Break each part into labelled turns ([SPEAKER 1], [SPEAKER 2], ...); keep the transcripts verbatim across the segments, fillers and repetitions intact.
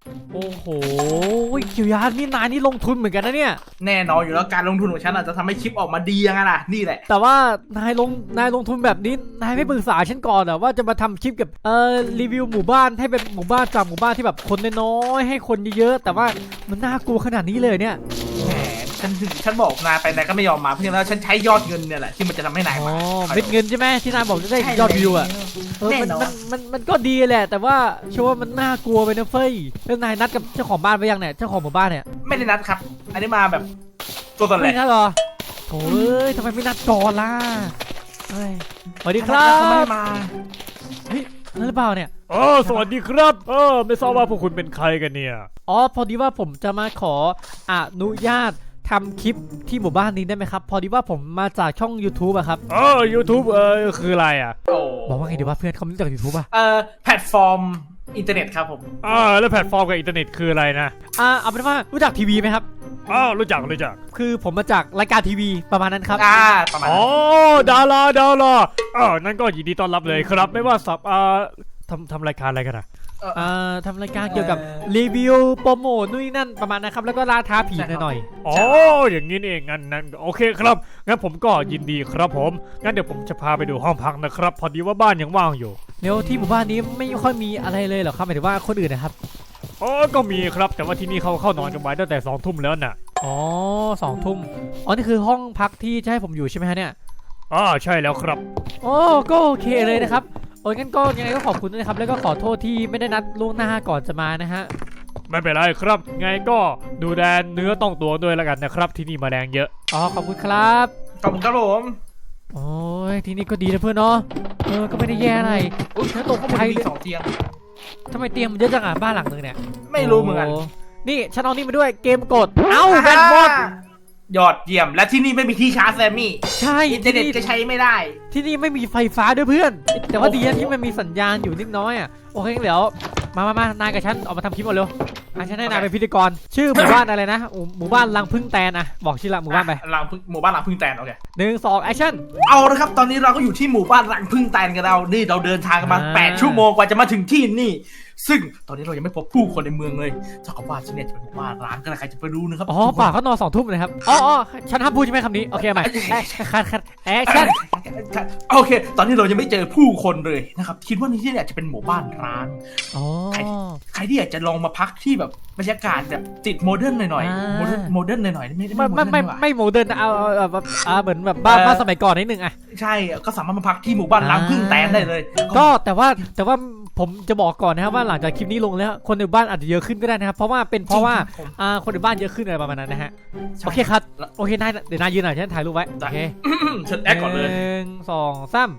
[SPEAKER 1] โอ้โหเกียวยานี่นายนี่ลงทุนเหมือนกันนะเนี่ย
[SPEAKER 2] แน่นอนอยู่แล้วการลงทุนของฉันอาจจะทำให้คลิปออกมาดียังไงล่ะนี่แหละ
[SPEAKER 1] แต่ว่านายลงนายลงทุนแบบนี้นายไม่ปรึกษาฉันก่อนเหรอว่าจะมาทำคลิปกับเอ่อรีวิวหมู่บ้านให้เป็นหมู่บ้านจากหมู่บ้านที่แบบคนน้อยๆให้คนเยอะๆแต่ว่ามันน่ากลัวขนาดนี้เลยเนี่ย
[SPEAKER 2] แหมฉันถึงฉันบอกนายไปนายก็ไม่ยอมมาเพราะฉะนั้นฉันใช้ยอดเงินเนี่ยแหละที่มันจะทำให้นาย
[SPEAKER 1] อ๋อ
[SPEAKER 2] มา
[SPEAKER 1] เม็ดเงินใช่ไหมที่นายบอกจะได้ยอดวิวอ่ะเออมันมันมันมันก็ดีแหละแต่ว่าเชื่อว่ามันน่ากลัวไปนะเฟ้ยแล้วนายนัดกับเจ้าของบ้านไปยังเนี่ยเจ้าของหมู่บ้านเนี่ย
[SPEAKER 2] ไม่ได้นัดครับอันนี้มาแบบตัวตนเลย
[SPEAKER 1] ไม่นัดหรอโอ้ยทำไมไม่นัดก่อนล่ะเฮ้ยสวัสดีครับ
[SPEAKER 2] เขาไม่มา
[SPEAKER 1] เฮ้ยนั่นหรือเปล่าเนี่ย
[SPEAKER 3] เออสวัสดีครับเออไม่ทราบว่าพวกคุณเป็นใครกันเนี่ย
[SPEAKER 1] อ๋อพอดีว่าผมจะมาขออนุญาตทำคลิปที่หมู่บ้านนี้ได้ไหมครับพอดีว่าผมมาจากช่อง ยูทูบ อะครับ
[SPEAKER 3] เออ ยูทูบ เออคืออะไรอ่ะ
[SPEAKER 1] บอกว่าไงดีว่าเพื่อนเขาไม่รู้จัก ยูทูบ อะ
[SPEAKER 2] เออแพลตฟอร์มอินเทอร์เน็ตครับผม
[SPEAKER 3] อ่าแล้วแพลตฟอร์มกับอินเทอร์เน็ตคืออะไรนะ
[SPEAKER 1] อ่าเอาเป็นว่ารู้จักทีวีไหมครับ
[SPEAKER 3] อ๋อรู้จักรู้จัก
[SPEAKER 1] คือผมมาจากรายการทีวีประมาณนั้นครับ
[SPEAKER 2] อ่าประมาณ
[SPEAKER 3] อ๋อดาราดาราเออนั่นก็ยินดีต้อนรับเลยครับไม่ว่าสับอ่าทำทำรายการอะไรกันอ่ะ
[SPEAKER 1] อ่าทำรายการเกี่ยวกับรีวิวโปรโมทนู่นนั่นประมาณนะครับแล้วก็ล่าท้าผีหน่อย
[SPEAKER 3] ๆอ๋ออย่างนี้เองงั้นนั้นโอเคครับงั้นผมก็ยินดีครับผมงั้นเดี๋ยวผมจะพาไปดูห้องพักนะครับพอดีว่าบ้านยังว่างอยู่
[SPEAKER 1] เดี๋ยวที่หมู่บ้านนี้ไม่ค่อยมีอะไรเลยเหรอครับหมายถึงว่าคนอื่นนะครับ
[SPEAKER 3] อ๋อก็มีครับแต่ว่าที่นี่เขาเข้านอนกันไว้ตั้งแต่สองทุ่มแล้วน่ะ
[SPEAKER 1] อ๋อสองทุ่มอ๋อนี่คือห้องพักที่จะให้ผมอยู่ใช่ไหมฮะเนี่ย
[SPEAKER 3] อ๋อใช่แล้วครับ
[SPEAKER 1] โอ้ก็โอเคเลยนะครับโอ้ยงั้นก็ยังไงก็ขอบคุณนะครับแล้วก็ขอโทษที่ไม่ได้นัดล่วงหน้าก่อนจะมานะฮะ
[SPEAKER 3] ไม่เป็นไรครับไงก็ดูแลเนื้อต้องตัวด้วยแล้วกันนะครับที่นี่แมลงเยอะ
[SPEAKER 1] อ๋อขอบคุณครับ
[SPEAKER 2] ขอบคุณครับผม
[SPEAKER 1] โอ้ยที่นี่ก็ดีนะเพื่อนเนาะเออก็ไม่ได้แย่อะไร
[SPEAKER 2] อุ้ยฉันตกข้างบนมีสองเตียง
[SPEAKER 1] ทำไมเตียงมันเยอะจังอ่ะบ้านหลังนึงเนี่ย
[SPEAKER 2] ไม่รู้เหมือนกัน
[SPEAKER 1] นี่ฉันเอานี่มาด้วยเกมกดเอ้าแบนบอล
[SPEAKER 2] ยอดเยี่ยมและที่นี่ไม่มีที่ชาร์จแซมมี่
[SPEAKER 1] ใช่
[SPEAKER 2] อินเทอร์เน็ตก็ใช้ไม่ได้
[SPEAKER 1] ที่นี่ไม่มีไฟฟ้าด้วยเพื่อนแต่ว่าดีนะที่มันมีสัญญาณอยู่นิดน้อยอ่ะโอเคเดี๋ยวมามามานายกับฉันออกมาทำคลิปก่อนเร็วฉันให้นายเป็นพิธีกรชื่อหมู่บ้านอะไรนะหมู่บ้านรังพึ่งแตนอะบอกชื่อละหมู่บ้านไป
[SPEAKER 2] รังพึ่งหมู่บ้านรังพึ่งแตนโอเค
[SPEAKER 1] หนึ่งสองแอคชั่น
[SPEAKER 2] เอาละครับตอนนี้เราก็อยู่ที่หมู่บ้านรังพึ่งแตนกันเรานี่เราเดินทางกันมาแปดชั่วโมงกว่าจะมาถึงที่นี่ซึ่งตอนนี้เรายังไม่พบผู้คนในเมืองเลยเจ้าของบ้านที่เนี่ยจะเป็นหมู่บ้านร้างก็ใครจะไปรู้นะครับ
[SPEAKER 1] อ๋อป่าเขานอนสองทุ่มเลยครับอ๋ออ๋อฉันห้ามพูดใช่ไหมคำนี้โอเคใหม่คัดคัดแอคชั่น
[SPEAKER 2] โอเคตอนนี้เรายังไม่เจอผู้คนเลยนะครับคิดว่าที่เนี่ยจะเป็นหมู่บ้านร้าง
[SPEAKER 1] อ๋อ
[SPEAKER 2] ใครที่อยากจะลองมาพักที่แบบบรรยากาศแบบติดโมเดิร์นหน่อยๆโมเดิร์นโมเดิร์นหน่อยๆไม่
[SPEAKER 1] ไม่ไม่ไม่โมเดิร์นเอาแบบอ่าเหมือนแบบบ้านบ้านสมัยก่อนนิดนึงอ่ะ
[SPEAKER 2] ใช่ก็สามารถมาพักที่หมู่บ้านร้างพึ่งแตนได้เลย
[SPEAKER 1] ก็แต่ว่าแต่ว่าผมจะบอกก่อนนะครับว่าหลังจากคลิปนี้ลงแล้วคนในบ้านอาจจะเยอะขึ้นก็ได้นะครับเพราะว่าเป็นเพราะว่าอ่าคนในบ้านเยอะขึ้นอะไรประมาณนั้นนะฮะโอเคครับโอเคนายเดี๋ยวนายยืนหน่อยฉันถ่ายรูปไว้โอเค
[SPEAKER 2] ฉันแอคก่อนเลย
[SPEAKER 1] หนึ่งสองสาม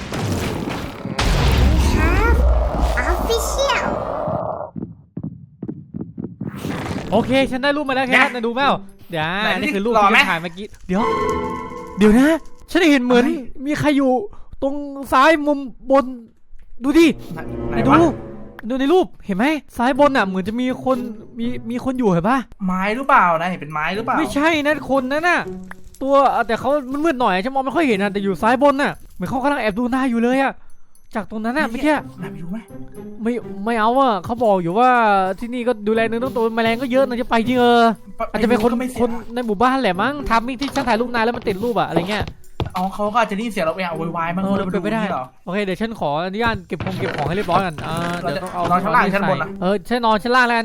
[SPEAKER 1] โอเคฉันได้รูปมาแล้วแค่นั้นดูแมวเดี๋ยวนี่คือรูปที่ถ่ายเมื่อกี้เดี๋ยวเดี๋ยวนะฉันเห็นเหมือนมีใครอยู่ตรงซ้ายมุมบนดูดิดูดูในรูปเห็นไหมซ้ายบนอ่ะเหมือนจะมีคนมีมีคนอยู่เห็นปะ
[SPEAKER 2] ไม้หรือเปล่านะเห็นเป็นไม้หรือเปล่า
[SPEAKER 1] ไม่ใช่นะคนนั่นน่ะตัวแต่เขามันมืดหน่อยฉันมองไม่ค่อยเห็นนะแต่อยู่ซ้ายบนน่ะเหมือนเขากำลังแอบดูหน้าอยู่เลยอ่ะจากตรงนั้นน่ะไม่ใช่
[SPEAKER 2] นายไปดูไหม
[SPEAKER 1] ไม่ไม่เอาอ่ะเขาบอกอยู่ว่าที่นี่ก็ดูแลเนื้อต้องตัวแมลงก็เยอะนะจะไปจริงเอออาจจะเป็นคนคนในหมู่บ้านแหละมั้งทำมิ่งที่ฉันถ่ายรูปนายแล้วมันติดรูปอะอะไรเงี้ย
[SPEAKER 2] อ๋อเขาก็อาจจะได้ยินเสียงเราไปเอาวายมั้ง
[SPEAKER 1] เราไปไม่ได้โอเคเดี๋ยวฉันขออนุญาตเก็บของเก็บของให้เรียบร้อยกันอ่าเดี๋ยวต้องเอา
[SPEAKER 2] นอนชั้นล่างชั้นบนนะ
[SPEAKER 1] เออฉันนอนชั้นล่างแล้วกัน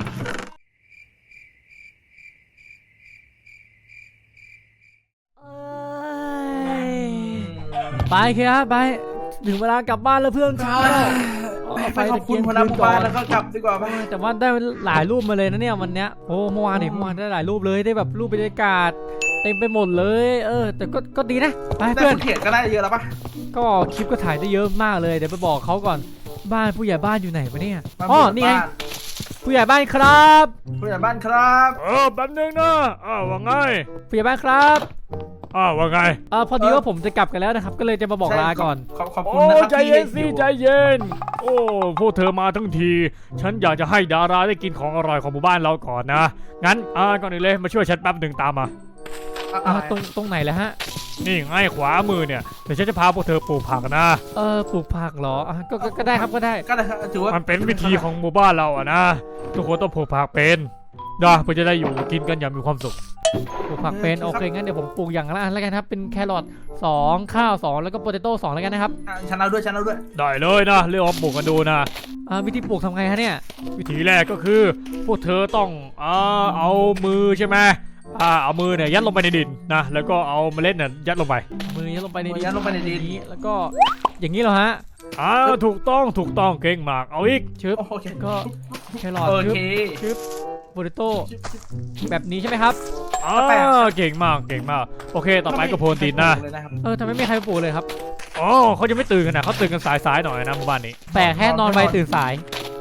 [SPEAKER 1] ไปครับไปถึงเวลากลับบ้านแล้วเพื่อนเช้า
[SPEAKER 2] ไปขอบคุณพนักงานแล้วก็กลับดีกว่าไป
[SPEAKER 1] แต่ว่าได้หลายรูปมาเลยนะเนี่ยวันเนี้ยโอ้เมื่อวานเนี่ยเมื่อวานได้หลายรูปเลยได้แบบรูปบรรยากาศเต็มไปหมดเลยเออแต่ก็ก็ดีนะ
[SPEAKER 2] ไปเพื่อนเขียนก็ได้เยอะแล้วปะ
[SPEAKER 1] ก็คลิปก็ถ่ายได้เยอะมากเลยเดี๋ยวไปบอกเขาก่อนบ้านผู้ใหญ่บ้านอยู่ไหนวะเนี่ยอ๋อนี่ไงผู้ใหญ่บ้านครับ
[SPEAKER 2] ผู้ใหญ่บ้านครับ
[SPEAKER 3] เออแป๊บนึงนะอ้าวว่าไง
[SPEAKER 1] ผู้ใหญ่บ้านครับ
[SPEAKER 3] อ้าวว่าไง
[SPEAKER 1] อ่าพอดีว่าผมจะกลับกันแล้วนะครับก็เลยจะมาบอกลาก่อน
[SPEAKER 2] ขอบคุณนะครับ
[SPEAKER 3] ใจเย็นสิใจเย็นโอ้พวกเธอมาทั้งทีฉันอยากจะให้ดาราได้กินของอร่อยของหมู่บ้านเราก่อนนะงั้นอ่าก่อนอื่นเลยมาช่วยฉันแป๊บหนึ่งตามมา
[SPEAKER 1] อ่าตรงตรงไหนแล้วฮะ
[SPEAKER 3] นี่ง่ายขวามือเนี่ยเดี๋ยวฉันจะพาพวกเธอปลูกผักนะ
[SPEAKER 1] เออปลูกผักเหรออ่ะก็ก็ก็ได้ครับก็ได้
[SPEAKER 2] ก็ได้ครับถือว่า
[SPEAKER 3] มันเป็นวิธีของหมู่บ้านเราอะนะทุกคนต้องปลูกผักเป็นนะเพื่อจะได้อยู่กินกันอย่างมีความสุข
[SPEAKER 1] ปลูกผักเป็นโอเคงั้นเดี๋ยวผมปลูกอย่างละอันแล้วกันครับเป็นแครอทสองข้าวสองแล้วก็โปเตโต้สองแล้วกันนะครับ
[SPEAKER 2] อ่ะฉันเอาด้วยฉันเอาด้วย
[SPEAKER 3] ได้เลยนะเรื่องปลูกกันดูนะ
[SPEAKER 1] อ่าวิธีปลูกทำไงฮะเนี่ย
[SPEAKER 3] วิธีแรกก็คือพวกเธอต้องอ่าเอามือใช่ไหมอ่าเอามือเนี่ยยัดลงไปในดินนะแล้วก็เอาเมล็ดเนี่ยยัดลงไป
[SPEAKER 1] มือยัดลงไปในดิ
[SPEAKER 2] มือยัดลงไปในดิน
[SPEAKER 1] นี้แล้วก็อย่างนี้เหรอฮะ
[SPEAKER 3] อ่าถูกต้องถูกต้องเก่งมากเอาอีก
[SPEAKER 1] ชึบ
[SPEAKER 2] โอเค
[SPEAKER 1] ก็แครอท
[SPEAKER 2] โอ
[SPEAKER 1] ชึบ
[SPEAKER 2] เค
[SPEAKER 1] ชึบโปเตโต้แบบนี้ใช่ไหมครับ
[SPEAKER 3] อ่าเก่งมากเก่งมากโอเคต่อไปก็โพรตีนนะ
[SPEAKER 2] เลยนะครับ
[SPEAKER 1] เออทำไมไม่มีใครปลูกเลยครับ
[SPEAKER 3] อ๋อเขายังไม่ตื่นกันนะเขาตื่นกันสายๆหน่อยนะหมู่บ้านนี้
[SPEAKER 1] แปลกแค่นอนไวตื่นสาย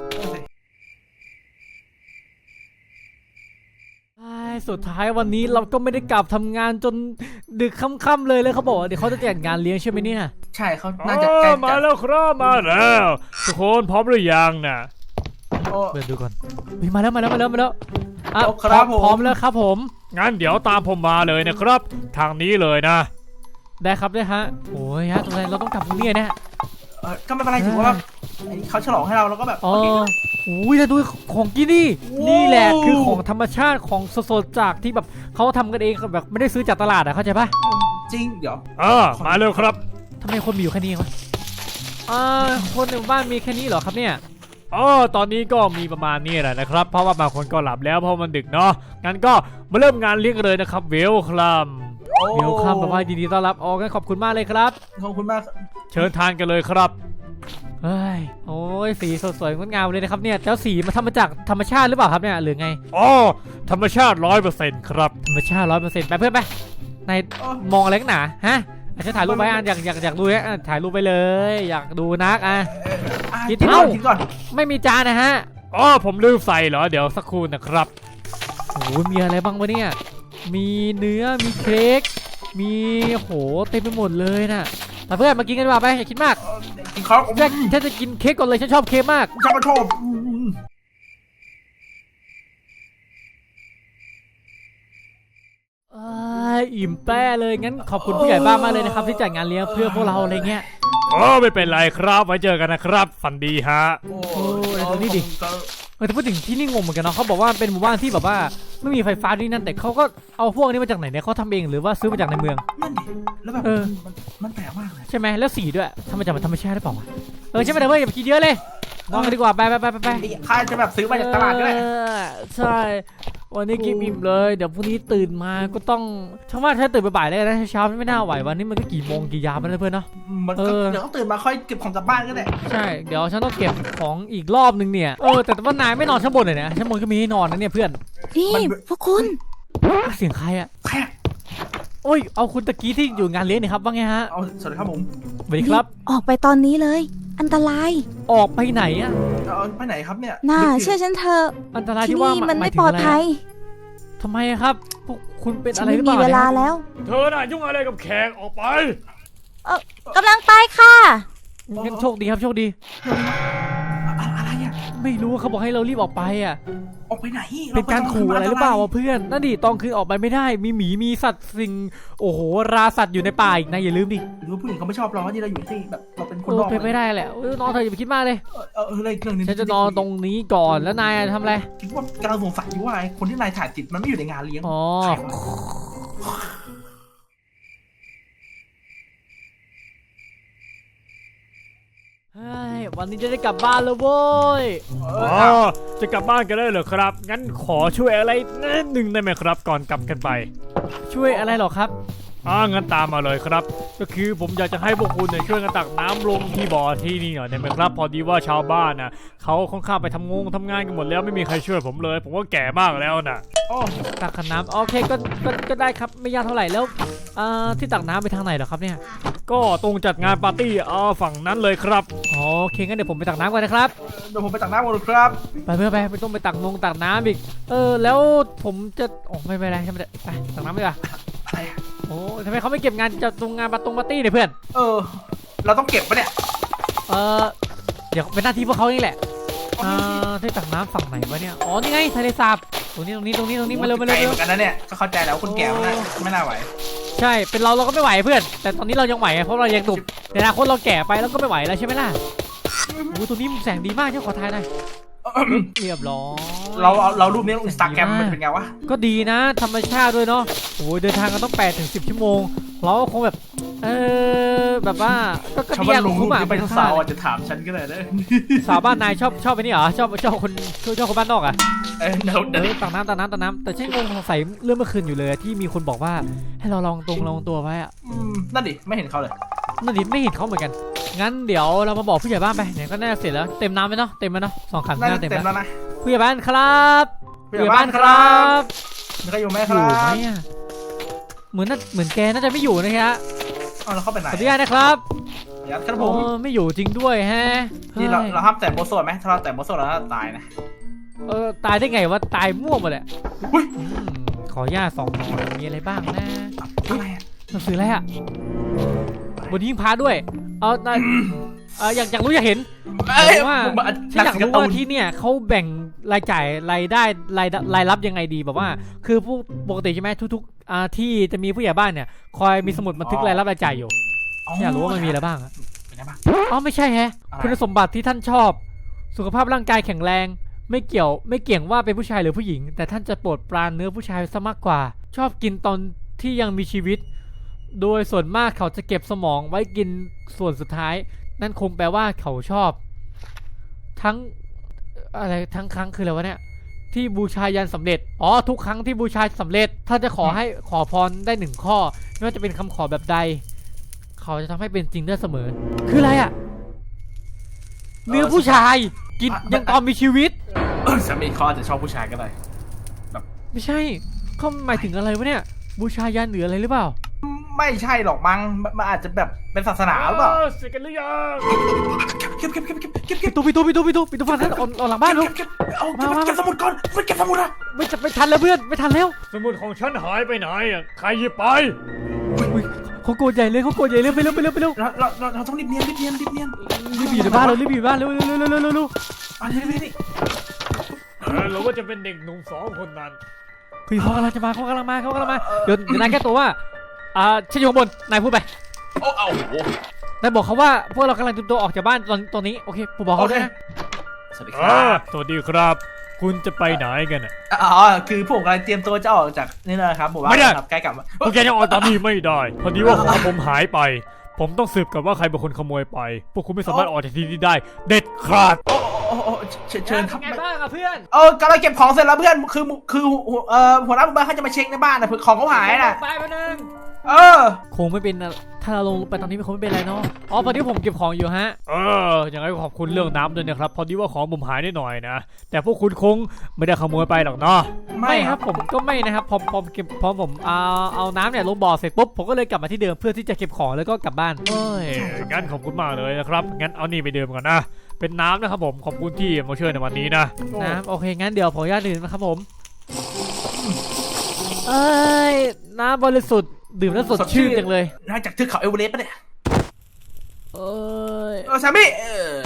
[SPEAKER 1] ใช่สุดท้ายวันนี้เราก็ไม่ได้กลับทำงานจนดึกค่ำๆเลยเลยเขาบอกว่าเดี๋ยวเขาจะจัดงานเลี้ยงใช่ไหมเนี่ย
[SPEAKER 2] ใช่เขา
[SPEAKER 3] อ๋
[SPEAKER 2] น่าจะใกล้
[SPEAKER 3] อมา
[SPEAKER 2] จะ
[SPEAKER 3] แล้วครับมาแล้วทุกคนพร้อมหรือยังนะ
[SPEAKER 2] โอ้
[SPEAKER 1] เปิดดูก่อนเฮ้ยมาแล้วมาแล้วมาแล้วมาแล้วอ่ะ
[SPEAKER 2] โอ้ครับ
[SPEAKER 1] พร้อม
[SPEAKER 2] ผม
[SPEAKER 1] พร้อมแล้วครับผม
[SPEAKER 3] งั้นเดี๋ยวตามผมมาเลยนะครับ ทางนี้เลยนะ
[SPEAKER 1] ได้ครับได้ฮะโอ้ยฮะตรงไหนเราต้องกลับตรงนี้เนี่ย
[SPEAKER 2] เออก็ไม่เป็นไรถือว่าไอ้เขาฉลองให้เราแล้วก็แบบ
[SPEAKER 1] อ๋อ
[SPEAKER 2] โอเค
[SPEAKER 1] โอ้ยแล้วดูของกินนี่
[SPEAKER 2] โอ้
[SPEAKER 1] นี่แหละคือของธรรมชาติของสดๆจากที่แบบเขาทำกันเองแบบไม่ได้ซื้อจากตลาดอะเข้าใจปะ
[SPEAKER 2] จริงเดี๋ยว
[SPEAKER 3] เออมาเร็วครับ
[SPEAKER 1] ทำไมคนมีอยู่แค่นี้วะอ่าคนในหมู่บ้านมีแค่นี้เหรอครับเนี่ย
[SPEAKER 3] อ๋อตอนนี้ก็มีประมาณนี้แหละนะครับ เพราะว่าบางคนก็หลับแล้วเพราะมันดึกเนาะงั้นก็มาเริ่มงานเลี้ยงกันเลยนะครับเวลคัม
[SPEAKER 2] โอ้
[SPEAKER 1] เดี๋ยวครับแบบว่ายินดีต้อนรับอ๋องั้นขอบคุณมากเลยครับ
[SPEAKER 2] ขอบคุณมาก
[SPEAKER 3] เชิญทานกันเลยครับ
[SPEAKER 1] เฮ้ยโอ้ยสีสดสวยงดงามเลยนะครับเนี่ยแล้วสีมันทำมาจากธรรมชาติหรือเปล่าครับเนี่ยหรือไง
[SPEAKER 3] อ๋อธรรมชาติร้อยเปอร์เซ็นต์ครับ
[SPEAKER 1] ธรรมชาติร้อยเปอร์เซ็นต์ไปเพื่อนไปนายมองอะไรกันหนาฮะอาจจะถ่ายรูปไว้อ่ะอยากอยากอยากดูอ่ะถ่ายรูปไปเลย อยากดูนักอ่ะ
[SPEAKER 2] อ่ะ
[SPEAKER 1] คิด
[SPEAKER 2] กินก่
[SPEAKER 1] เท่า
[SPEAKER 2] อนกินก่อน
[SPEAKER 1] ไม่มีจานนะฮะ
[SPEAKER 3] อ๋อผมลืมใส่เหรอเดี๋ยวสักครู่นะครับ
[SPEAKER 1] โอ้โหมีอะไรบ้างวะเนี่ยมีเนื้อมีเค้กมีโหเต็มไปหมดเลยน่ะแต่เพื่อนมากินกันดีกว่าไปอย่าคิดมาก
[SPEAKER 2] เออกินข้าว
[SPEAKER 1] ฉันฉันจะกินเค้กก่อนเลยฉันชอบเค้กมาก
[SPEAKER 2] ฉันก็ชอบอืม
[SPEAKER 1] เอยอิ่มแป้เลยงั้นขอบคุณผู้ใหญ่บ้านมากเลยนะครับที่จัดงานเลี้ยงเพื่อพวกเราอะไรเงี้ย
[SPEAKER 3] อ๋อไม่เป็นไรครับไว้เจอกันนะครับฝันดีฮะ
[SPEAKER 2] โอ้
[SPEAKER 1] โอ้ยตรงนี้ดิ เออแต่พูดถึงที่นี่งงเหมือนกันเนาะเขาบอกว่าเป็นหมู่บ้านที่แบบว่าไม่มีไฟฟ้าที่นั่นแต่เขาก็เอาพวกนี้มาจากไหนเนี่ยเขาทำเองหรือว่าซื้อมาจากในเมือง
[SPEAKER 2] นั่นดิแล้วแบบ
[SPEAKER 1] เออ
[SPEAKER 2] มันมันแปลกมากเลย
[SPEAKER 1] ใช่ไหมแล้วสีด้วยทำมาจากธรรมชาติหรือเปล่าวะเออใช่ไหมแต่เพื่อนอย่าไปคิดเยอะเลยนอนกันดีกว่าไปไปไปไปไป
[SPEAKER 2] ไอ้ข้าจะแบบซื้อมาจากตลาดก็ได้
[SPEAKER 1] เออใช่วันนี้กินอิ่มเลยเดี๋ยวพรุ่งนี้ตื่นมาก็ต้องฉันว่าถ้าตื่นบ่ายๆเลยนะเช้าๆไม่น่าไหววันนี้มันก็กี่โมงกี่ยามแล้วเพื่อนเนาะ
[SPEAKER 2] มัน
[SPEAKER 1] เอ
[SPEAKER 2] ก็
[SPEAKER 1] อ
[SPEAKER 2] เดี๋ยวเขาตื่นมาค่อยเก็บของกลับบ้านก็ได้
[SPEAKER 1] ใช่เดี๋ยวฉันต้องเก็บของอีกรอบนึงเนี่ยเออแต่ว่านายไม่นอนชั้นบนเลยเนี่ยชั้นบนก็มีให้นอนนะเนี่ยเพื่อน
[SPEAKER 4] นี่พวกคุณ
[SPEAKER 1] เสียงใครอะ
[SPEAKER 2] แค่
[SPEAKER 1] โอ้ยเอาคุณตะกี้ที่อยู่งานเลี้ยงนี่ครับว่าไงฮะ
[SPEAKER 2] เอาสวัสดีครับผม
[SPEAKER 1] สวัสดีครับ
[SPEAKER 4] ออกไปตอนนี้เลย อันตราย
[SPEAKER 1] ออกไปไหนอะ
[SPEAKER 2] เอาไปไหนครับเนี่ย
[SPEAKER 4] น่า
[SPEAKER 2] ดึกยู่
[SPEAKER 4] เชื่อฉันเถอะ
[SPEAKER 1] อันตราย
[SPEAKER 4] ที่
[SPEAKER 1] ที่ว่า
[SPEAKER 4] นี่มัน
[SPEAKER 1] หา
[SPEAKER 4] ไม่
[SPEAKER 1] ยถึ
[SPEAKER 4] ป
[SPEAKER 1] ง
[SPEAKER 4] ลอด
[SPEAKER 1] ะร
[SPEAKER 4] ภัย
[SPEAKER 1] ทำไมอะครับพวกคุณเป็น
[SPEAKER 4] ฉั
[SPEAKER 1] อะ
[SPEAKER 4] น
[SPEAKER 1] ไรห
[SPEAKER 4] ไม่
[SPEAKER 1] รือเป
[SPEAKER 4] มี
[SPEAKER 1] ล่า
[SPEAKER 4] เวลา
[SPEAKER 1] เนี่ย
[SPEAKER 4] แล้ว
[SPEAKER 3] เธอน่ะยุ่งอะไรกับแขกออกไป
[SPEAKER 4] กำลังไปค่ะ
[SPEAKER 1] งั้นโชคดีครับโชคดี
[SPEAKER 2] อะอะไรอ่ะ
[SPEAKER 1] ไม่รู้ว่าเขาบอกให้เรารีบออกไปอะ
[SPEAKER 2] ออกไปไหน
[SPEAKER 1] เป็นการขู่อะไรหรือเปล่าวะเพื่อนนั่นดิตอนคืนออกไปไม่ได้มีหมีมีสัตว์สิ่งโอ้โหราสัตว์อยู่ในป่าอีกนะอย่าลืมดิ
[SPEAKER 2] หรือว่าผู้หญิงเขาไม่ชอบเราที่เราอยู่ที่แบบเราเป็นคน
[SPEAKER 1] เอน อ
[SPEAKER 2] อก
[SPEAKER 1] เป็นไม่ได้แหละเออนอนเถอะอย่าไปคิดมากเลย
[SPEAKER 2] เออเออเอออะไรอีกเรื่องหนึง
[SPEAKER 1] ฉันจะนอนตรงนี้ก่อนแล้วนายอะทำอะไร
[SPEAKER 2] คิดว่ากำลังสงสัยอยู่ว่าไอ้คนที่นายถ่ายติดมันไม่อยู่ในงานเลี้ยง
[SPEAKER 1] อ๋อ
[SPEAKER 2] ใครวะ
[SPEAKER 1] เฮ้ยวันนี้จะได้กลับบ้านแล้วโว้ย
[SPEAKER 2] เอ
[SPEAKER 3] อ๋
[SPEAKER 2] อเอา
[SPEAKER 3] อจะกลับบ้านกันได้เหรอครับ งั้นขอช่วยอะไรนิดหนึ่งได้ไหมครับ ก่อนกลับกันไป
[SPEAKER 1] ช่วยอะไรหรอครับ
[SPEAKER 3] อ่างั้นตามมาเลยครับ ก็คือผมอยากจะให้พวกคุณเนี่ยช่วยกันตักน้ำลงที่บ่อที่นี่หน่อยได้ไหมครับ พอดีว่าชาวบ้านน่ะเขาค่อนข้างไปทำงงทำงานกันหมดแล้วไม่มีใครช่วยผมเลย ผมก็แก่มากแล้วน่ะ
[SPEAKER 2] โอ้
[SPEAKER 1] ตักขันน้ำโอเคก็ก็ก็ได้ครับไม่ยากเท่าไหร่แล้วอ่าที่ตักน้ำไปทางไหนเหรอครับเนี่ย
[SPEAKER 3] ก็ตรงจัดงานปาร์ตี้อ่าฝั่งนั้นเลยครับ
[SPEAKER 1] อ๋อโอเคงั้นเดี๋ยวผมไปตักน้ำก่อนนะครับ
[SPEAKER 2] เดี๋ยวผมไปตักน้ำก่อนครับ
[SPEAKER 1] ไปเพื่อไปไม่ต้องไปตักนงตักน้ำอีกเออแล้วผมจะโอ้ไม่เป็นไรใช่ไหมไปตักน้ำดีกว่า
[SPEAKER 2] อะไรอะ
[SPEAKER 1] โอ้ทำไมเขาไม่เก็บงานจะตรงงานปาตรงปาร์ตี้เนี่ยเพื่อน
[SPEAKER 2] เออ เราต้องเก็บปะเนี่ย
[SPEAKER 1] เออเดี๋ยวเป็นหน้าที่พวกเขานี่แหละอ่าที่ตักน้ำฝั่งไหนวะเนี่ยอ๋อนี่ไงทะเลสาบตรงนี้ตรงนี้ตรงนี้ตรงนี้มาเร็วมาเร็ว
[SPEAKER 2] ไกล
[SPEAKER 1] เร็
[SPEAKER 2] เห
[SPEAKER 1] ว
[SPEAKER 2] มือนกันนะเนี่ยก็เข้าใจแล้วคนแก่มันน่าไม่น่าไหว
[SPEAKER 1] ใช่ช่เป็นเราเราก็ไม่ไหวเพื่อน แต่ตอนนี้เรายังไหวไงเพราะเรายังหนุ่มในอนาคตเราแก่ไปแล้วก็ไม่ไหวแล้วใช่ไหมล่ะโอ้ตัวนี้มุมแสงดีมากเจ้าขอทายหน่อยเรียบร้อย
[SPEAKER 2] เราเอาเรารูปนี้ลงอินสตาแกรมมันเป็นไงวะ
[SPEAKER 1] ก็ดีนะธรรมชาติด้วยเนาะโอ้ยเดินทางกันต้องแปดถึงสิบชั่วโมงเราก็คงแบบเออแบบว่าก็กระ
[SPEAKER 2] ชาว
[SPEAKER 1] เดีย
[SPEAKER 2] บ้าน
[SPEAKER 1] ก
[SPEAKER 2] ลงรู
[SPEAKER 1] คุ้
[SPEAKER 2] ป
[SPEAKER 1] มอ่ะ
[SPEAKER 2] นี้ไปสาวๆอาจจะถามฉันก็ได้นะ
[SPEAKER 1] สาวบ้านนายชอบชอบไปนี่เหรอชอบชอบคนชอบคนบ้านนอกอ่ะ
[SPEAKER 2] เออเดี๋ยว
[SPEAKER 1] เอ
[SPEAKER 2] เดี๋ยว
[SPEAKER 1] อตักน้ำตักน้ำตักน้ำแต่ฉันงงสงสัยเรื่องเมื่อคืนอยู่เลยที่มีคนบอกว่าให้เราลองตรงลองตัวไว้อะ
[SPEAKER 2] อืมนั่นดิไม่เห็นเขาเลย
[SPEAKER 1] นั่นดิไม่เห็นเขาเหมือนกันงั้นเดี๋ยวเรามาบอกผู้ใหญ่บ้านไปเนี่ยก็น่าจะเสร็จแล้วเต็มน้ำไหมเนาะเต็มไหมเนาะสองขัน
[SPEAKER 2] น่า
[SPEAKER 1] น่า
[SPEAKER 2] จะ
[SPEAKER 1] เต็ม
[SPEAKER 2] เต็ม
[SPEAKER 1] แล้ว
[SPEAKER 2] แล้วนะ
[SPEAKER 1] ผู้ใหญ่บ้านครับ
[SPEAKER 2] ผู้ใหญ่บ้านครับมีใครอยู่ไหมค
[SPEAKER 1] อยู่
[SPEAKER 2] รับ
[SPEAKER 1] ไหมอะเหมือนน่าเหมือนแกน่าจะไม่อยู่นะฮะ
[SPEAKER 2] เอาเราเข้าไปไหน
[SPEAKER 1] ขออนุญาตนะครับ
[SPEAKER 2] ยัดครับผ
[SPEAKER 1] โอ้
[SPEAKER 2] ม
[SPEAKER 1] ไม่อยู่จริงด้วยแฮะ
[SPEAKER 2] นี่เรา
[SPEAKER 1] ฮ้ย
[SPEAKER 2] เราห้ามแต่โมโซดไหมถ้าเราแต่โมโซดแล้วเราตายนะ
[SPEAKER 1] เออตายได้ไงวะตายมั่วหมดแหละ
[SPEAKER 2] อุ้ย
[SPEAKER 1] อืมขออนุญาตสองหน่อยมีอะไรบ้างนะ
[SPEAKER 2] อะไรอะ
[SPEAKER 1] หนังสืออะไรอะบนหิ้งพระด้วยเอานายเอออยากอยากรู้อยากเห็น
[SPEAKER 2] เอ้ย
[SPEAKER 1] ว่า
[SPEAKER 2] ผม
[SPEAKER 1] ฉันอยากรู้
[SPEAKER 2] หนังสื
[SPEAKER 1] ว่า
[SPEAKER 2] ร์ตูน
[SPEAKER 1] ที่เนี่ยเขาแบ่งรายจ่ายรายได้รายรายรับยังไงดีแบบว่า คือผู้ปกติใช่ไหมทุกๆอ่าที่จะมีผู้ใหญ่บ้านเนี่ยคอยมีสมุดบันทึกรายรับรายจ่ายอยู่อยากรู้ว่ามันมีอะไรบ้างอะ
[SPEAKER 2] เป็นไงบ้าง
[SPEAKER 1] อ๋อไม่ใช่แฮะ
[SPEAKER 2] อะไร
[SPEAKER 1] คุณสมบัติที่ท่านชอบ สุขภาพร่างกายแข็งแรง ไม่เกี่ยวไม่เกี่ยงว่าเป็นผู้ชายหรือผู้หญิง แต่ท่านจะโปรดปรานเนื้อผู้ชายซะมากกว่า ชอบกินตอนที่ยังมีชีวิต โดยส่วนมากเขาจะเก็บสมองไว้กินส่วนสุดท้าย นั่นคงแปลว่าเขาชอบ ทั้งอะไรทั้งครั้งคืออะไรวะเนี่ยที่บูชายันสำเร็จอ๋อทุกครั้งที่บูชาสำเร็จท่านจะขอให้ขอพรได้หนึ่งข้อไม่ว่าจะเป็นคำขอแบบใด เขาจะทำให้เป็นจริงได้เสมอ คืออะไรอะเนื้อผู้ชายกินยังตอนมีชีวิต
[SPEAKER 2] เออสามีเขาอาจจะชอบผู้ชายก็ได้
[SPEAKER 1] ไม่ใช่เขาหมายถึงอะไรวะเนี่ย บูชายันหรืออะไรหรือเปล่า
[SPEAKER 2] ไม่ใช่หรอกมั้งมันมันอาจจะแบบเป็นศาสนาหรือเปล่า
[SPEAKER 3] เสร็จกันหรือยัง
[SPEAKER 2] เก็บเก็บเก็บเก็บเก็บ
[SPEAKER 1] ปิ
[SPEAKER 2] เก็
[SPEAKER 1] ด
[SPEAKER 2] บ
[SPEAKER 1] ตู้ปิดตู้ปิดตู้ปิดตู้ปิดตู้ฟังท่านเอาเอาหลังบ้านลูก
[SPEAKER 2] เก็บเอาเก็บเก็บสมุดก่อนไปเก็บสมุดอะ
[SPEAKER 1] ไม่จะไม่ทันแล้วเพื่อนไม่ทันแล้ว
[SPEAKER 3] สมุดของฉันหายไปไหนอ่ะใครหยิบไป
[SPEAKER 1] อุ๊ยเขาโกรธใหญ่เลยเขาโกรธใหญ่เลยไปเร็วไปเร็วไปเร็ว
[SPEAKER 2] เราเราเราเราต้องรีบเนียนรีบเนียนรีบเนียน
[SPEAKER 1] รีบอยู่ในบ้านเลยรีบอยู่ในบ้านเร็วเร็วเร็วเร็วเร็วเร็วเร็ว
[SPEAKER 2] อันนี้นี่นี่
[SPEAKER 3] เออหรือว่าจะเป็นเด็กหนุ่มสองคนนั้น
[SPEAKER 1] คือเขากำลังจะมาเขากำลังมาเขากำลังมาเดี๋ยวเดี๋ยวนายแก้ตัวว่าอ่าฉันอยู่ข้างบนนายพูดไป
[SPEAKER 2] โอ้เอาโห
[SPEAKER 1] นายบอกเขาว่าพวกเรากำลังเตรียมตัวออกจากบ้านตอนตอนนี้โอเคผมบอกเขาด้วยนะ
[SPEAKER 2] สวัสดีค
[SPEAKER 3] เอ
[SPEAKER 2] รั
[SPEAKER 3] อบ สวัสดีครับ คุณจะไปไหนกันอ่ะ
[SPEAKER 2] อ๋อคือผมกำลังเตรียมตัวจะออกจากนี่นะครับหมู่บ้าน
[SPEAKER 3] ไม่ได้
[SPEAKER 2] ครับใกล้กลับมา
[SPEAKER 3] พวกแกยังออกตอนนี้ไม่ได้ พอดีว่าของผมหายไป ผมต้องสืบกันว่าใครเป็นคนขโมยไป พวกคุณไม่สามารถออกจากที่นี่ได้ เด็ดขาด
[SPEAKER 2] โอ้โอ้โอ้เชิญเชิญครับ
[SPEAKER 1] ไงบ้างอะเพื่อน
[SPEAKER 2] เออกำลังเก็บของเสร็จแล้วเพื่อนคือคือเอ่อหัวหน้าหมู่บ้านเขาจะมาเช็คในบ้านนะเผื่อของเขาหายน่ะ
[SPEAKER 1] ไปมาหนึ่ง
[SPEAKER 2] เออ
[SPEAKER 1] คงไม่เป็นอะถ้าเราลงไปตอนนี้มันคงไม่เป็นไรเนาะอ๋อพอดีผมเก็บของอยู่ฮะ
[SPEAKER 3] เอออย่างไรก็ขอบคุณเรื่องน้ำด้วยนะครับ พอดีว่าของผมหายนิดหน่อยนะ แต่พวกคุณคงไม่ได้ขโมยไปหรอกเนาะ
[SPEAKER 1] ไม่ครับผมก็ไม่นะครับพอพอเก็บพอผมเอาเอาน้ำเนี่ยลงบ่อเสร็จปุ๊บผมก็เลยกลับมาที่เดิมเพื่อที่จะเก็บของแล้วก็กลับบ้าน
[SPEAKER 3] เอ้ยงั้นขอบคุณมากเลยนะครับ งั้นเอานี่ไปดื่มก่อนนะ เป็นน้ำนะครับผม ขอบคุณที่มาช่วยในวันนี้นะ
[SPEAKER 1] น้ำโอเคงั้นเดี๋ยวผมอนุญาตดื่มนะครับผมเอ้ยน้ำบริสุทธิ์ดื่มแล้วสดชื่นจังเลย
[SPEAKER 2] น่าจากเทือกเขาเอเวอเรสต์ปะเนี่ย
[SPEAKER 1] เอ้ย
[SPEAKER 2] เออสามีเออ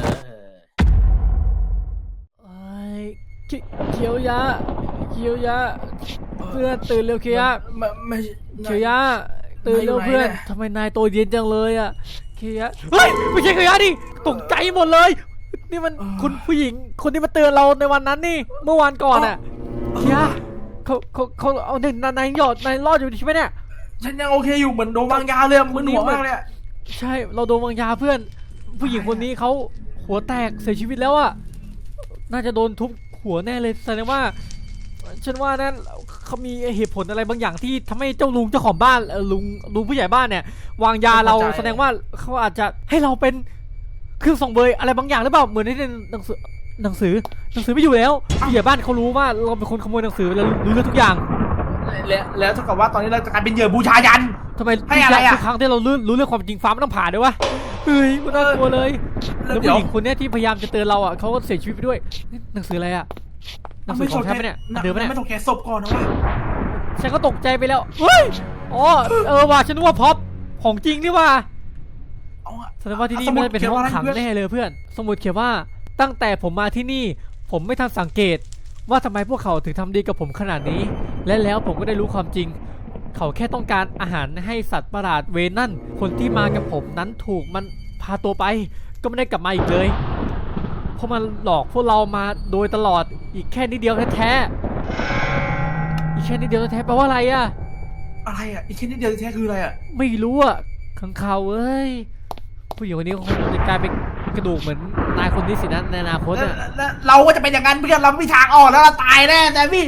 [SPEAKER 1] เอ้ยเขีเขียวยะเขียวยะเพื่อนตื่นเร็วเขียวยะ
[SPEAKER 2] ไม่ไม่
[SPEAKER 1] เขียวยะตื่นเร็ว
[SPEAKER 2] ไหนอยู่ไหน
[SPEAKER 1] เพื่อน
[SPEAKER 2] เนี่ย
[SPEAKER 1] ทำไมนายตัวเย็นจังเลยอะเขียวยะเฮ้ยไม่ใช่เขียวยะดิตกใจหมดเลย นี่มันคุณผู้หญิงคนที่มาเตือนเราในวันนั้นนี่เมื่อวานก่อนอะเขียวยะเขาเขาเขาเอาเนี่ยนายนายหยอดนายรอดอยู่ใช่ไหมเนี่ย
[SPEAKER 2] ฉันยังโอเคอยู่เหมือนโดนวางยาเลยมึนหัวมากเลยอะ
[SPEAKER 1] ใช่เราโดนวางยาเพื่อน ผู้หญิงคนนี้เขาหัวแตกเสียชีวิตแล้วอะน่าจะโดนทุบหัวแน่เลยแสดงว่าฉันว่านั่นเขามีเหตุผลอะไรบางอย่างที่ทำให้เจ้าลุงเจ้าของบ้านเอ่อลุงลุงผู้ใหญ่บ้านเนี่ยวางยาเราแสดงว่าเขาอาจจะให้เราเป็นเครื่องส่งเบยอะไรบางอย่างหรือเปล่าเหมือนในหนังสือหนังสือหนังสือไม่อยู่แล้วผู้ใหญ่บ้านเขารู้ว่าเราเป็นคนขโมยหนังสือแล้วรู้เรื่องทุกอย่าง
[SPEAKER 2] แล้วแล้วเท่ากับว่าตอนนี้เราจะกลายเป็นเหยื่อบูชายัน
[SPEAKER 1] ทำไม
[SPEAKER 2] ให้อะไรอะ
[SPEAKER 1] ทุกครั้งที่เรารู้รู้เรื่องความจริงฟ้ามันต้องผ่านด้วยวะเฮ้ยมันน่ากลัวเลย
[SPEAKER 2] แล้
[SPEAKER 1] แล้ว ว
[SPEAKER 2] เดี๋
[SPEAKER 1] ผู้
[SPEAKER 2] ยว
[SPEAKER 1] หญิงคนเนี้ยที่พยายามจะเตือนเราอ่ะเขาก็เสียชีวิตไปด้วยนี่หนังสืออะไรอ่ะหนังสือของฉันปะเนี่ยอันเดิมปะเนี่ย
[SPEAKER 2] ไม่ต้องแกะศพก่อนนะวะ
[SPEAKER 1] ฉันก็ตกใจไปแล้วเฮ้ยอ๋อเออว่ะฉันนึกว่าพ็อปของจริงนี่ว่ะ
[SPEAKER 2] เอาอะ
[SPEAKER 1] แสดงว่าที่นี่ไม่ได้เป็นห้องขังแน่เลยเพื่อนสมุดเขียนว่าตั้งแต่ผมมาที่นี่ ผมไม่ทันสังเกตว่าทำไมพวกเขาถึงทำดีกับผมขนาดนี้ และแล้วผมก็ได้รู้ความจริงเขาแค่ต้องการอาหารให้สัตว์ประหลาดเวนั่นคนที่มากับผมนั้นถูกมันพาตัวไปก็ไม่ได้กลับมาอีกเลยเพราะมันหลอกพวกเรามาโดยตลอดอีกแค่นิดเดียวแท้ๆอีกแค่นิดเดียวแท้ๆแปลว่าอะไรอะ
[SPEAKER 2] อะไรอ่ะอีกแค่นิดเดียวแท้คืออะไรอ่ะ
[SPEAKER 1] ไม่รู้อะขังข่าวเอ้ยผู้หญิงคนนี้คงจะกลายเป็นกระดูกเหมือนนายคนนี้สินะในอนาคต
[SPEAKER 2] แล้ว
[SPEAKER 1] อะ
[SPEAKER 2] แล้วเราก็จะเป็นอย่างนั้นเพื่อนเราไม่มีทางออกแล้วเราตายแน่แต่พี่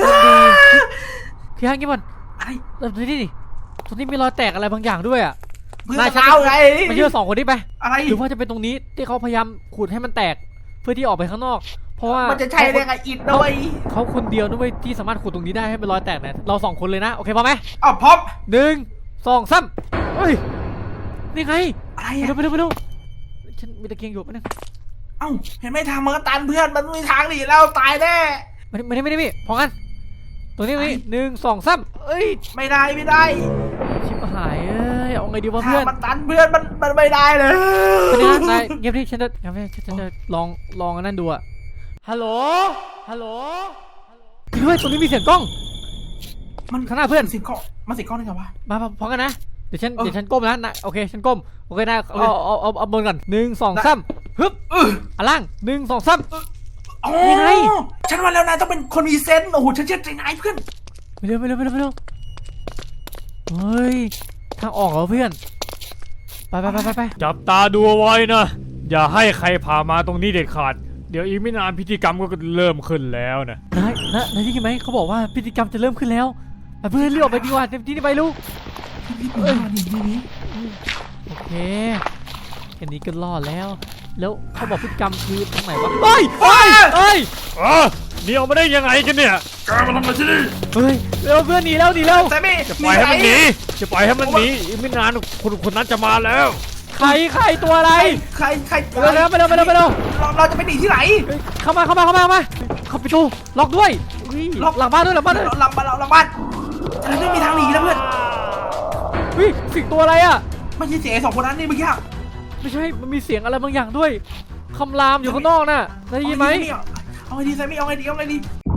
[SPEAKER 1] พี่ฮังกี้มัน
[SPEAKER 2] อะไร
[SPEAKER 1] เออดูนี่ดิตรงนี้มีรอยแตกอะไรบางอย่างด้วยอะ
[SPEAKER 2] เพื่อน
[SPEAKER 1] นายชัก
[SPEAKER 2] เราไง
[SPEAKER 1] ไม่เชื่อสองคนนี้ไป
[SPEAKER 2] อะไร
[SPEAKER 1] หรือว่าจะเป็นตรงนี้ที่เขาพยายามขูดให้มันแตกเพื่อที่ออกไปข้างนอก เพราะว่า
[SPEAKER 2] มันจะใช่ได้ไงอิดด้วย
[SPEAKER 1] เขาคนเดียวด้วยที่สามารถขูดตรงนี้ได้ให้เป็นรอยแตกเนี่ยเราสองคนเลยนะโอเคพอไหม
[SPEAKER 2] อ๋อพร้อม
[SPEAKER 1] หนึ่งสองสามเฮ้ยนี่ไง
[SPEAKER 2] อะไร
[SPEAKER 1] ไป
[SPEAKER 2] อ่ะ
[SPEAKER 1] เร็วไปเร็วไปเร็วฉันมีตะเกียงอยู่ปะเนี่ย
[SPEAKER 2] เอ้าเห็นไหมทางมันก็ตันเพื่อนมันไม่มีทางหนีแล้วตายแน่
[SPEAKER 1] ไม่ได้ไม่ได้ไม่ได้พี่พอกันตรงนี้ตรงนี้หนึ่งสองสามเอ้ย
[SPEAKER 2] ไม่ได้ไม่ได้
[SPEAKER 1] ชิบหายเอ้ยเอาไงดีวะ
[SPEAKER 2] ทาง
[SPEAKER 1] เพื่อน
[SPEAKER 2] มันตันเพื่อนมันมันไม่ได้เลย
[SPEAKER 1] เป็นไงนายเงียบดิฉันจะเงียบดิฉันจะลองลองอันนั้นดูอะฮัลโหลฮัลโหลจริงด้วยตรงนี้มีเสียงกล้อง
[SPEAKER 2] มัน
[SPEAKER 1] ข้างหน้าเพื่อน
[SPEAKER 2] สิงก้อนมันสิงก้อนได้ไงวะ
[SPEAKER 1] มามาพร้อมกันนะเดี๋ยวฉัน
[SPEAKER 2] เออ
[SPEAKER 1] เดี๋ยวฉันก้มนะนะโอเคฉันก้มโอเคนะ
[SPEAKER 2] โอเค
[SPEAKER 1] เอาเอาเอาเอาบนก่อนหนึ่งสอง
[SPEAKER 2] ได้
[SPEAKER 1] สามฮึบ
[SPEAKER 2] เออ
[SPEAKER 1] อ่ะล่างหนึ่งสองสาม
[SPEAKER 2] อ๋อ
[SPEAKER 1] นี่ไง
[SPEAKER 2] ฉันว่าแล้วนายต้องเป็นคนมีเซนส์โอ้โหฉันเชื่อใจนายเพื่อน
[SPEAKER 1] ไปเร็วไปเร็วไปเร็วไปเร็วเฮ้ยทางออกเหรอเพื่อนไปไปไปไปไป
[SPEAKER 3] จับตาดูเอาไว้นะ อย่าให้ใครพามาตรงนี้เด็ดขาด เดี๋ยวอีกไม่นานพิธีกรรมก็เริ่มขึ้นแล้วนะ
[SPEAKER 1] นายนะนายได้ยินไหมเขาบอกว่าพิธีกรรมจะเริ่มขึ้นแล้วไปเพื่อนเรียกออกไปดีกว่าเต็มที่นี่ไปลูก
[SPEAKER 2] นี่นี่นี่นี่
[SPEAKER 1] โอเคแค่นี้ก็รอดแล้ว แล้วเขาบอกพฤติกรรมคือทางไหนวะเฮ้ยเฮ้ยเฮ้ย
[SPEAKER 3] เออหนี่ออกมาได้ยังไงกันเนี่ยแกมาทำอะไรที่นี่
[SPEAKER 1] เฮ้ยเร็วเพื่อนหนีแล้วหนีแล้ว
[SPEAKER 2] แซมมี่
[SPEAKER 3] จะปล่อยให้มันหนีจะปล่อยให้มันหนีอีกไม่นานคนคนนั้นจะมาแล้ว
[SPEAKER 1] ใครใครตัวอะไร
[SPEAKER 2] ใครใคร
[SPEAKER 1] ไปเร็วไปเร็วไปเร็วไปเร็ว
[SPEAKER 2] เราเราจะไปหนีที่ไหน
[SPEAKER 1] เฮ้ยเข้ามาเข้ามาเข้ามาเข้ามาเข้าประตูล็อกด้วยเฮ้ย
[SPEAKER 2] ล็อก
[SPEAKER 1] หลังบ้านด้วยหลังบ้านด้วย
[SPEAKER 2] เราหลังบ้านเราหลังบ้านเราไม่มีทางหนีแล้วเพื่อน
[SPEAKER 1] เฮ้ยสิ่งตัวอะไรอ่ะ
[SPEAKER 2] ไม่ใช่เสียงไอ้สองคนนั้นนี่เมื่อกี้
[SPEAKER 1] ไม่ใช่มันมีเสียงอะไรบางอย่างด้วยคำรามอยู่ข้างนอกน่ะได้ยินไหม
[SPEAKER 2] เอาไงดีแซมมี่เอาไงดีเอาไงดี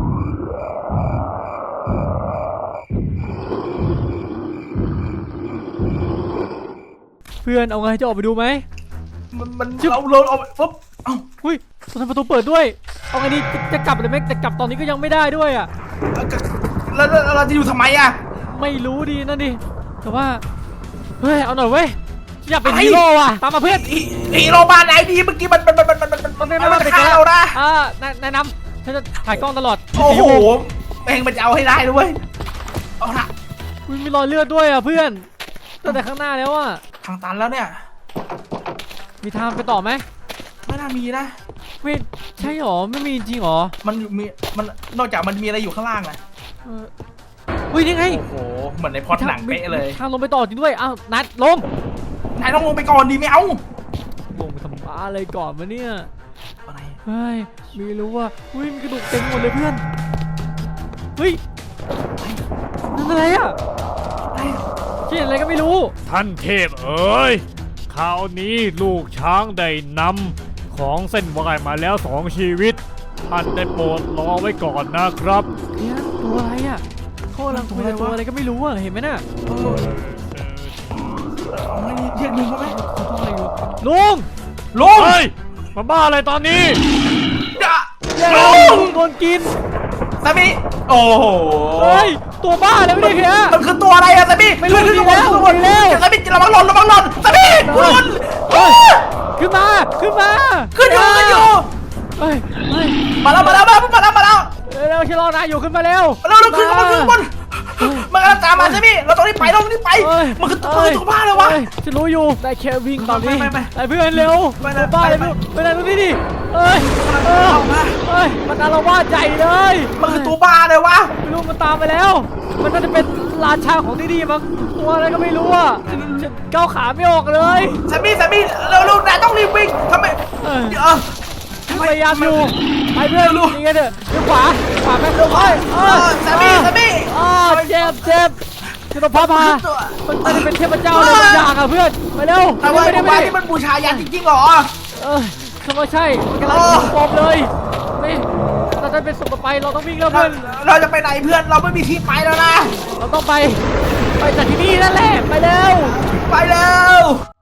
[SPEAKER 1] เพื่อนเอาไงจะออกไปดูไหม
[SPEAKER 2] มันมันเราเราเอาปุ๊บเอ้า
[SPEAKER 1] หุ้ยตรงนั้นประตูเปิดด้วยเอาไงดีจะจะกลับเลยไหมแต่กลับตอนนี้ก็ยังไม่ได้ด้วยอ่ะ
[SPEAKER 2] แล้วแล้วเราจะอยู่ทำไมอะ
[SPEAKER 1] ไม่รู้ดีนั่นดิแต่ว่าเฮ้ยเอาหน่อยเว้ยอยากเป็นฮีโร่ว่ะตามมาเพื่อน
[SPEAKER 2] อีอีโรบานไหนดีเมื่อกี้มันมันมันมันมันมันมันมันฆ่าเรานะ
[SPEAKER 1] อ่าแนะแนะนำฉันจะถ่ายกล้องตลอด
[SPEAKER 2] โอ้โหแม่งมันจะเอาให้ได้ด้วยเอาละ
[SPEAKER 1] อุ๊ยมีรอยเลือดด้วยอ่ะเพื่อนตั้งแต่ข้างหน้าแล้วอ่ะ
[SPEAKER 2] ทางตันแล้วเนี่ย
[SPEAKER 1] มีทางไปต่อไหม
[SPEAKER 2] ไม่น่ามีนะ
[SPEAKER 1] ไม่ใช่หรอไม่มีจริงหรอ
[SPEAKER 2] มันมีมันนอกจากมันมีอะไรอยู่ข้างล่างนะ
[SPEAKER 1] เอออุ้ยนี่ไง
[SPEAKER 2] โอ้โหเหมือนในพล็อตหนังเป๊ะเลย
[SPEAKER 1] ทางลงไปต่อจริงด้วยอ้าวนัดลง
[SPEAKER 2] นายต้องลงไปก่อนดีไม่เอา
[SPEAKER 1] ลงไปทำบ้าอะไรก่อนวะเนี่ย
[SPEAKER 2] อะไร
[SPEAKER 1] เฮ้ยไม่รู้ว่าอุ้ยมีกระดูกเต็มหมดเลยเพื่อนเฮ้ยนั่นอะไรอ่ะ
[SPEAKER 2] อะไร
[SPEAKER 1] เขียนอะไรก็ไม่รู้
[SPEAKER 3] ท่านเทพเอ๋ยคราวนี้ลูกช้างได้นำของเส้นไหว้มาแล้วสองชีวิต ท่านได้โปรดรอไว้ก่อนนะครับ
[SPEAKER 1] เนี่ยตัวอะไรอ่ะเขากำลังคุยกับตัวอะไรก็ไม่รู้อ่ะเห็นไหมน่ะ
[SPEAKER 2] เออเอาไงดีเรียกลุงเขาไหม
[SPEAKER 1] เขาทำอะไรอยู่ลุง
[SPEAKER 2] ลุง
[SPEAKER 3] เฮ้ย มาบ้าอะไรตอนนี้
[SPEAKER 2] อย่า
[SPEAKER 1] แย่
[SPEAKER 2] ลุ
[SPEAKER 1] ลุ
[SPEAKER 2] ง
[SPEAKER 1] งโดนกิน
[SPEAKER 2] สามีโอ้โห
[SPEAKER 1] เฮ้ยตัวบ้าเลยไม่ได้แค่
[SPEAKER 2] มันคือตัวอะไรอะสามี
[SPEAKER 1] ไม่รู้
[SPEAKER 2] ขึ้น
[SPEAKER 1] ดี
[SPEAKER 2] ขึ้น
[SPEAKER 1] แล้ว
[SPEAKER 2] ขึ้นบน
[SPEAKER 1] ดีแล้ว
[SPEAKER 2] สามีระวังหล่นระวังหล่นสามีหล่น
[SPEAKER 1] เฮ้ยขึ้นมาขึ้นมา
[SPEAKER 2] ขึ้นอยู่ขึ้นอยู่
[SPEAKER 1] เฮ้ยเฮ้ย
[SPEAKER 2] มาแล้วมาแล้วมาแล้วมาแล้วมาแล้ว
[SPEAKER 1] เร็วๆชะลอนายอยู่ขึ้นมาเร็ว
[SPEAKER 2] มาแล้วขึ้นข้างบนขึ้นข้างบนมันกำลังตามมาสามีเราต้องรีบไปเราต้องรีบไป
[SPEAKER 1] เอ้ย
[SPEAKER 2] มันคือตัวมันคือตัวบ้าเลยวะ
[SPEAKER 1] ฮ้ฉันรู้อยู่ได้แค่วิ่งตอนนี้
[SPEAKER 2] ไปไปไป
[SPEAKER 1] ไอ้เพื่อนเร็ว
[SPEAKER 2] ไปไป
[SPEAKER 1] ตัวบ้าเลย
[SPEAKER 2] ไป
[SPEAKER 1] ไปไหนตรงนี้ดิเอ้ยเออ
[SPEAKER 2] เอามา
[SPEAKER 1] เอ้ยมันอารวาสใหญ่เลย
[SPEAKER 2] มันคือตัวบ้าเลยวะ
[SPEAKER 1] ไม่รู้มันตามไปแล้ว มันน่าจะเป็นราชาของที่นี่มั้งตัวอะไรก็ไม่รู้อ่ะฉันฉันก้าวขาไม่ออกเลย
[SPEAKER 2] สามีสามีเร็วเร็วนายต้องรีบวิ่งทำไม
[SPEAKER 1] เออ
[SPEAKER 2] เออ
[SPEAKER 1] พยายามอยู่ไปเพื่อน
[SPEAKER 2] ลูก
[SPEAKER 1] นี่ไงเถอะเดี๋ยวขวาขวาไปเร็วไปเอ
[SPEAKER 2] เออสามีสามี
[SPEAKER 1] อ๋อเจ็บเจ็บจะต้องพาพามันน่าจะเป็นเทพเจ้าอะไรบางอย่างอ่ะเพื่อนไปเร็ว
[SPEAKER 2] แต่ว่า
[SPEAKER 1] ไม่ได้
[SPEAKER 2] ตัว
[SPEAKER 1] ไม่
[SPEAKER 2] บ้า
[SPEAKER 1] ได้
[SPEAKER 2] นี่มันบูชายันจริงๆเหรอ
[SPEAKER 1] เออคำว่าใช่มันกำลัง
[SPEAKER 2] เออ
[SPEAKER 1] ปลอมเลยนี่เราจะเป็นสุดต่อไปเราต้องวิ่งแล้ว
[SPEAKER 2] เรา
[SPEAKER 1] เพื่อน
[SPEAKER 2] เราจะไปไหนเพื่อนเราไม่มีที่ไปแล้วนะ
[SPEAKER 1] เราต้องไปไปจากที่นี่นั่นแหละ ไปเร็ว
[SPEAKER 2] ไปแล้ว